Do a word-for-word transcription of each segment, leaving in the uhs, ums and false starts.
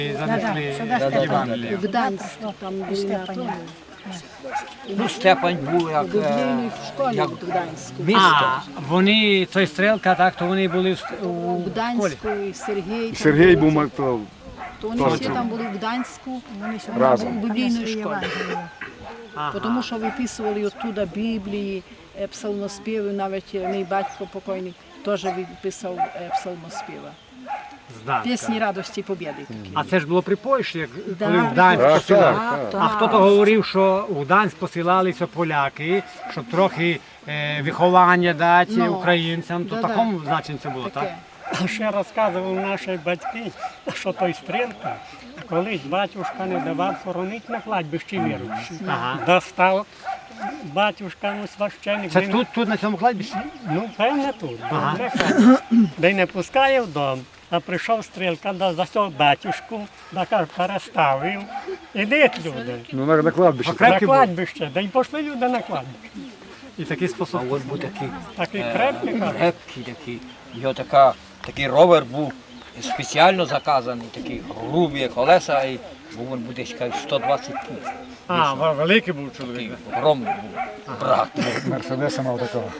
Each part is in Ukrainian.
занесли Євангелія. В Гданську там були Степаня. Ну, Степань був як, Біблійній е, школі як в Гданську. місто. А, вони, цей стрілка, так, то вони були в, у В школі. Гданську і Сергій. там Сергій були. був то, То вони теж всі був. там були в Гданську, вони ще Разом. були в біблійній школі. Ага. Тому що виписували оттуда Біблії, е, псалмоспіви, навіть е, мій батько покойний теж виписав е, псалмоспіва. З Гданська. Пісні радості і побєди такі. А це ж було при Польщі, як Да. коли в Гданськ Так, посилали. так, так. А хто то говорив, що у Гданськ посилалися поляки, щоб трохи е, виховання дати Ну, українцям, то в да-да. такому значенні це було, так? Таке. Ще розказували наші батьки, що той стрілка, колись батюшка не давав хоронити на кладбищі віруючі. Ага. Достав батюшка, ну, священник. Це де- тут, тут на цьому кладбищі? Ну, певне тут. Ага. Ага. Де й не пускає в дом, а прийшов стрілка, да, засяв батюшку, да каже, переставив. Ідіть, люди, ну, на, на кладбище. на Крепкий був. кладбище, да й пішли люди на кладбище. І такий спосіб. А от був такий Такий е, крепкий, каже. крепкий, такий. Його така, такий ровер був спеціально заказаний, такий грубі колеса, і був він буде десь сто двадцять кіл. А, великий був Такий чоловік. огромний був. Брат. Мерседеса мав такого.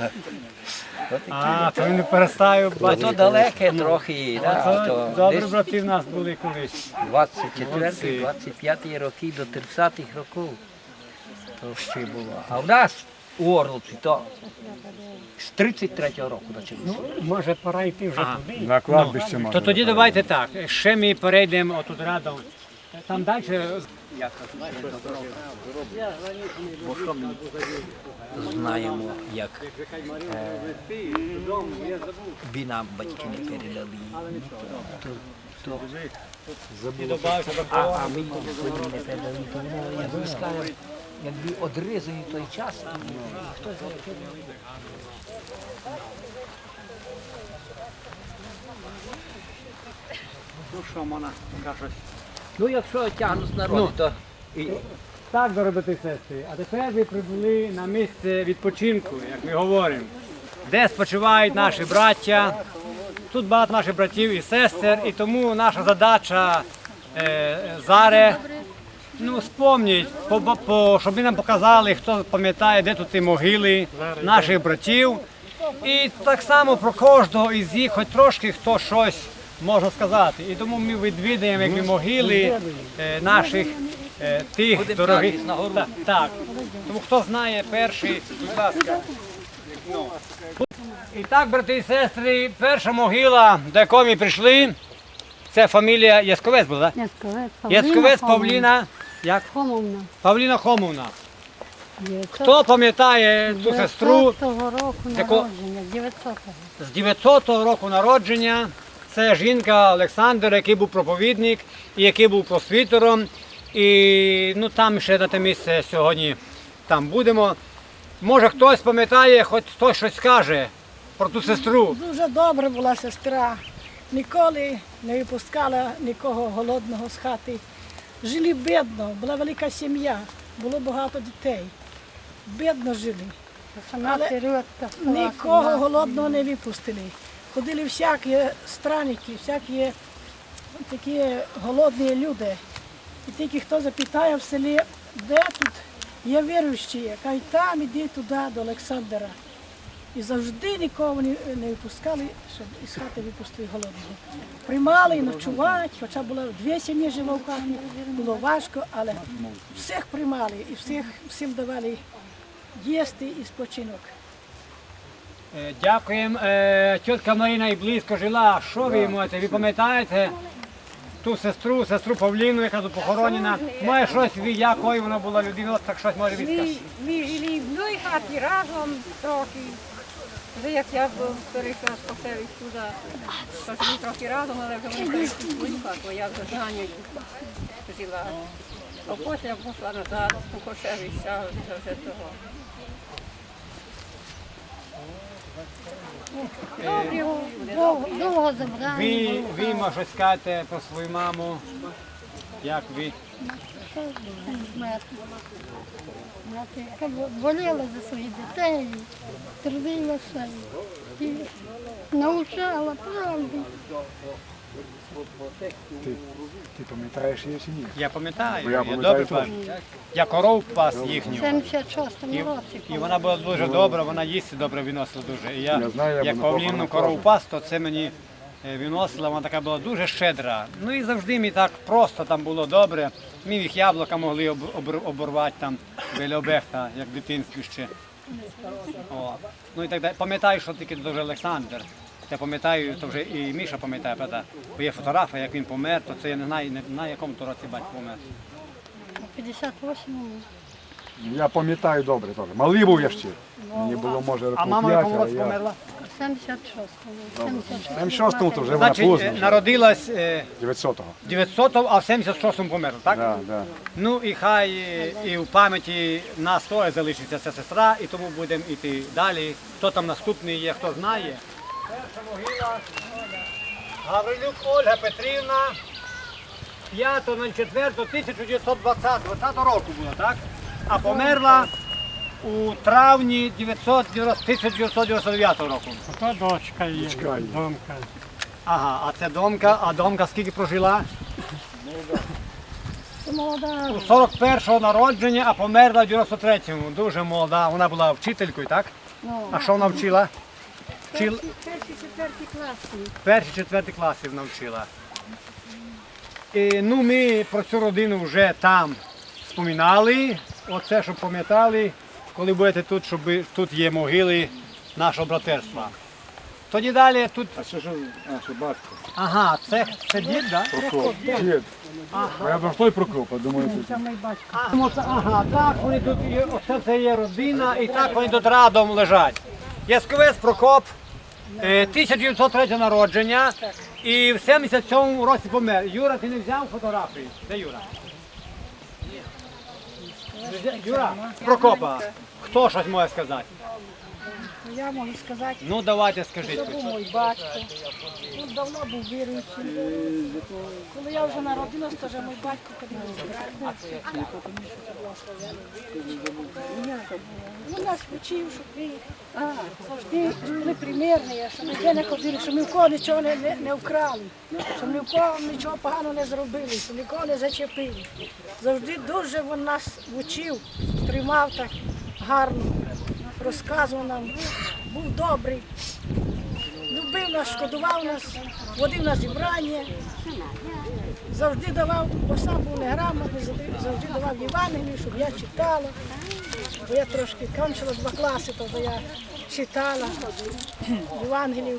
А, то він не переставив Бо бачити. то далеке трохи, да, Це то добрі десь брати в нас були колись. двадцять четвертий Молодці. двадцять п'ятий роки до тридцятих років. То ще було. А в нас у Орловці то з тридцять третього року почалося. Може, пора йти вже Ага. туди. На кладбище мав. То тоді давайте так, ще ми перейдемо отут рядом. Там далі. Бо що ми знаємо, як е, би нам батьки не передали. То, то, а, а ми їм не передали, то воно, як ви скажете, якби одрізаний той час, і хто знає. Ну що, Мона, кажуть. Ну, якщо тягнуть народи, то і, Так, дорогі сестри, а тепер ви прибули на місце відпочинку, як ми говоримо, де спочивають наші браття. Тут багато наших братів і сестер, і тому наша задача е, зараз, ну, спомніть, по, по, щоб ви нам показали, хто пам'ятає, де тут ті могили наших братів. І так само про кожного із їх, хоч трошки хто щось може сказати. І тому ми відвідаємо якби могили е, наших е, тих Будемо дорогих. тягнутися нагору. Так, так. Тому хто знає перший, будь ласка. Ну. І так, брати і сестри, перша могила, до якої ми прийшли, це фамілія Ясковець була, так? Ясковець Павліна. Ясковець Павліна, як? Хомовна. Павліна Хомовна. Хто пам'ятає цю сестру дев'ятсотого року Яко- народження, дев'ятсотого. з дев'ятсотого року народження? Це жінка Олександр, який був проповідник і який був просвітером. І ну, там ще на те місце сьогодні там будемо. Може хтось пам'ятає, хоч хтось щось скаже про ту сестру. Дуже добра була сестра, ніколи не випускала нікого голодного з хати. Жили бідно, була велика сім'я, було багато дітей. Бідно жили. Сама Але Середка. Нікого голодного не випустили. Ходили всякі странники, всякі такі голодні люди. І тільки хто запитає в селі, де тут є віруючі, кажуть, там іди туди до Олександра. І завжди нікого не, не випускали, щоб із хати випустили голодного. Приймали і ночувати, хоча було дві сім'ї жило в хаті, було важко, але всіх приймали і всіх, всім давали їсти і спочинок. Е, Дякуємо. Е, Тітка Марина і близько жила. Що ви можете? Ви пам'ятаєте ту сестру, сестру Павліну, яка тут похоронена? Має щось, ви якою вона була людина, так щось може відказати. Ми жили в одній хаті разом трохи. Вже як я перейшла з Кошевич туди, то жили трохи разом, але вже вони перейшли в свою хату, а я вже з Ганею жила. А потім я пішла назад у Кошевича, вже того. Довго, довго забрали. Ви, ви може щось скажете про свою маму? Як ви? Мати. Мати, яка боліла за своїх дітей, трудилася і навчала правди. Ти, ти пам'ятаєш її чи ні? Я пам'ятаю, Бо я я, пам'ятаю добре теж. пам'ятаю. Я коров пас В їхню. сімдесят шостому І, році. і вона була дуже добра, вона їсти добре виносила дуже. І я, Я знаю, я як буду павлінну похорона корову теж. пас, то це мені е, виносила, вона така була дуже щедра. Ну і завжди мені так просто там було добре. Ми їх яблука могли об, обр- оборвати там біля обехта, як в дитинстві ще. О. Ну і так далі. Пам'ятаю, що тільки дуже Олександр. Я пам'ятаю, то вже і Міша пам'ятає, правда, бо є фотографія, як він помер, то це я не знаю, не на якому то році батько помер. У п'ятдесят восьмому. Я пам'ятаю добре теж. Малий був я ще. Мені було, може, А років мама в п'ять, якому але році я... померла? У сімдесят шостому. сімдесят Там шостому то вже вона Значить, поздно. е, вже. народилась е, дев'ятсотого. дев'ятсотого, а в сімдесят шостому померла, так? Да, да. Ну і хай е, і в пам'яті нас троє залишиться ця сестра, і тому будемо йти далі. Хто там наступний є, хто знає. Перша могила Гаврилюк Ольга Петрівна, п'ятого четвертого тисяча дев'ятсот двадцятого року була, так? А померла у травні тисяча дев'ятсот дев'яносто дев'ятого року. Ото дочка є, Дочка є. домка. Ага, а це домка, а домка скільки прожила? Це молода. У сорок першого народження, а померла в дев'яносто третьому. Дуже молода. Вона була вчителькою, так? Ну, А що вона вчила? Вчила перші, четверті класи. перші, четверті класи вона вчила. І, ну, ми про цю родину вже там споминали. Оце, щоб пам'ятали, коли будете тут, щоб ви- тут є могили нашого братерства. Тоді далі тут. А що ж, а, що батько? Ага, це, це дід, так? Да? Прокоп. Дід. А я про той Прокоп, а думаю, це... Ага, оце- ага, так вони тут є, оце це є родина, і так вони тут радом лежать. Ясковець Прокоп, е, тисяча дев'ятсот третього народження, і в сімдесят сьомому році помер. Юра, ти не взяв фотографії? Де Юра? Не взяв? Юра, Прокопа, хто щось може сказати? Я можу сказати, Ну давайте скажіть. це був мій батько. Він давно був віруючим. Коли я вже народилась, то вже мій батько ходив збирати. Він нас вчив, щоб ми завжди були примірні, щоб ми ніде не ходили, щоб ми в кого нічого не, не, не вкрали, щоб ми в кого нічого поганого не зробили, щоб нікого не зачепили. Завжди дуже він нас вчив, тримав так гарно, розказував нам, був добрий, любив нас, шкодував нас, водив на зібрання, завжди давав, бо сам був неграмотний, завжди, завжди давав Євангелію, щоб я читала. Бо я трошки кончила два класи, то я читала Євангелію.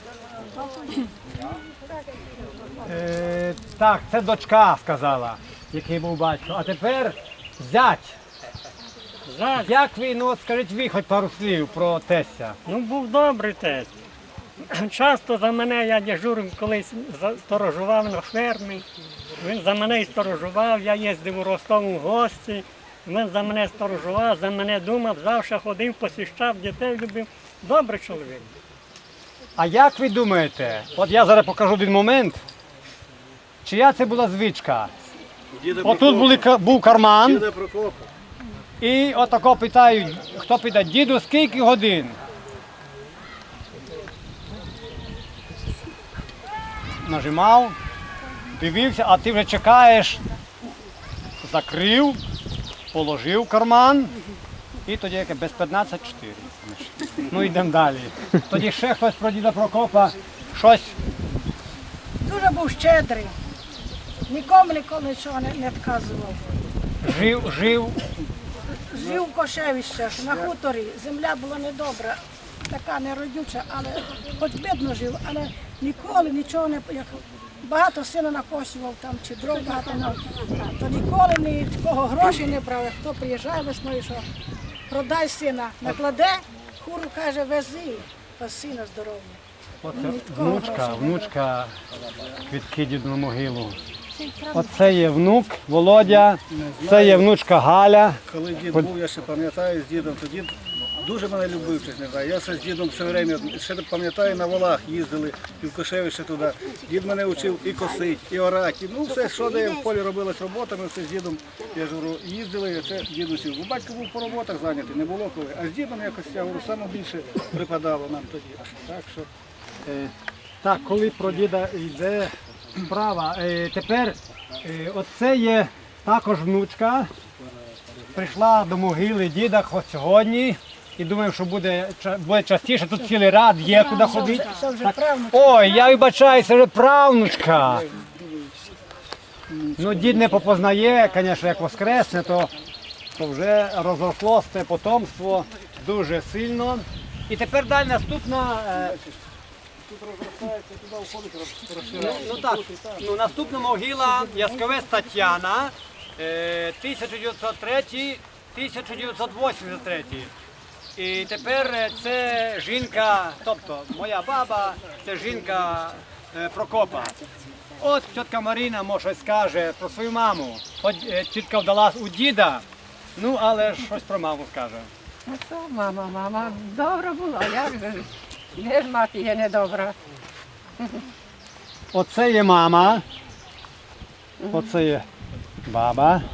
Е, так, це дочка сказала, який був батько. А тепер зять. Зять, Як ви, ну от скажіть ви хоч пару слів про тестя. ну був добрий тесть. Часто за мене я дежурив колись за- сторожував на фермі. Він за мене і сторожував, я їздив у Ростов у гості. Він за мене сторожував, за мене думав, завжди ходив, посіщав, дітей любив. Добрий чоловік. А як ви думаєте, от я зараз покажу один момент, чия це була звичка? Отут були, ка- був карман, і отако питають, хто питає, діду, скільки годин? Нажимав, дивився, а ти вже чекаєш, закрив, положив в карман, і тоді яке без п'ятнадцять чотири. Ну йдемо далі. Тоді ще хтось про діда Прокопа щось. Дуже був щедрий, нікому ніколи нічого не, не відказував. Жив, жив, Жив в Кошевищах, на хуторі, земля була недобра, така неродюча, але хоч бідно жив, але ніколи нічого не, як багато сина накосював там, чи дров багато, на- то ніколи ні такого грошей не брав. Як хто приїжджає весною, що продай сина, накладе, хуру каже, вези, та сина здоров'я. оце внучка, внучка квітки діду на могилу. Оце є внук Володя, це є внучка Галя. Коли дід був, я ще пам'ятаю з дідом, то дід дуже мене любив, щось не знаю. Я все з дідом все время, ще пам'ятаю, на волах їздили, і в Кошевище туди. Дід мене вчив і косить, і орати. Ну все, що де в полі робилось робота, ми все з дідом, я ж говорю, їздили, і це дід учив. Бо батько був по роботах зайнятий, не було коли. А з дідом якось, я говорю, саме більше припадало нам тоді. Так що Е, Так, коли про діда йде справа. Е, Тепер е, оце є також внучка. Прийшла до могили діда хоч сьогодні. І думаю, що буде, ча- буде частіше. Тут цілий ряд є, куди ходити. Це вже Так. правнук. Ой, я вибачаю, це вже правнучка. Ну, дід не попознає, звісно, як воскресне, то, то вже розросло це потомство дуже сильно. І тепер далі наступна. е, Ну, ну так, ну, наступна могила Ясковець Тетяна, е, тисяча дев'ятсот третій - тисяча дев'ятсот вісімдесят третій. І тепер е, це жінка, тобто моя баба, це жінка е, Прокопа. От тітка Маріна може щось скаже про свою маму. От е, тітка вдалась у діда, ну але щось про маму скаже. Ну що, мама, мама, добра була, як же? Де ж мати є недобра? Оце є мама, оце є баба.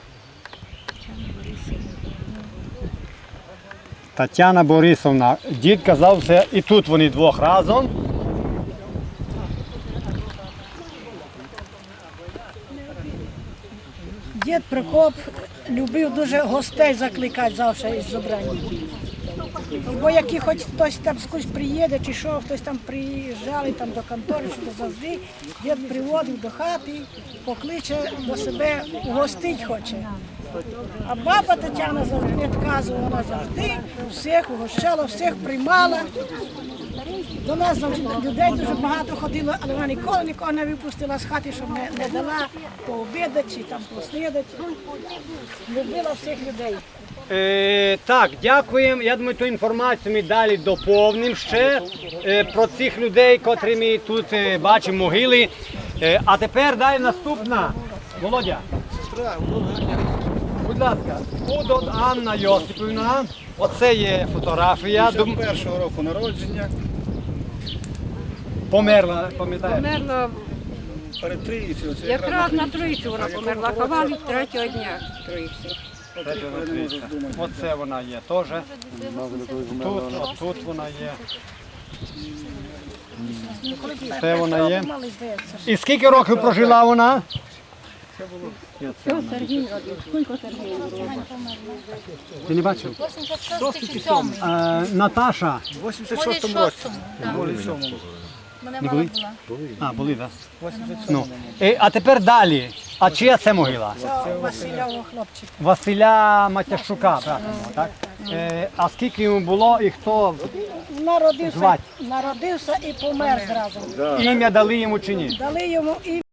Тетяна Борисовна. Дід казав, це і тут вони двох разом. Дід Прокоп любив дуже гостей закликати завжди із зобрання. Бо який хоч хтось там скось приїде, чи що, хтось там приїжджали там до контори, що завжди дід приводив до хати, покличе до себе, угостить хоче. А баба Тетяна завжди не відказувала, вона завжди всіх угощала, всіх приймала. До нас завжди людей дуже багато ходило, але вона ніколи нікого не випустила з хати, щоб не, не дала пообідати чи там поснідати. Любила всіх людей. Е, так, дякуємо. Я думаю, ту інформацію ми далі доповнимо ще е, про цих людей, котрі ми тут е, бачимо могили. Е, а тепер далі наступна. Володя. Будь ласка, Удод Анна Йосипівна. Оце є фотографія. Дум- першого року народження, Померла, пам'ятаєш? Померла, перед трійцею. Це якраз на тройцю вона померла, ховали третього дня тройці. Оце вона є теж. Тут, отут вона є. Це вона є. Мали, здається. І скільки років прожила вона? Що Сергій робив? Скільки Сергій робив? Ти не бачив? вісімдесят шостий чи сьомий? Е, Наташа. в вісімдесят шостому році. Мене Не мама були? була. А, були, так? Ну. Е, а тепер далі. А чия це могила? Це Васильового хлопчика. Василя Матящука, правильно, так? Е, а скільки йому було і хто Народився, Звать. народився і помер зразу. ім'я дали йому чи ні? Дали йому і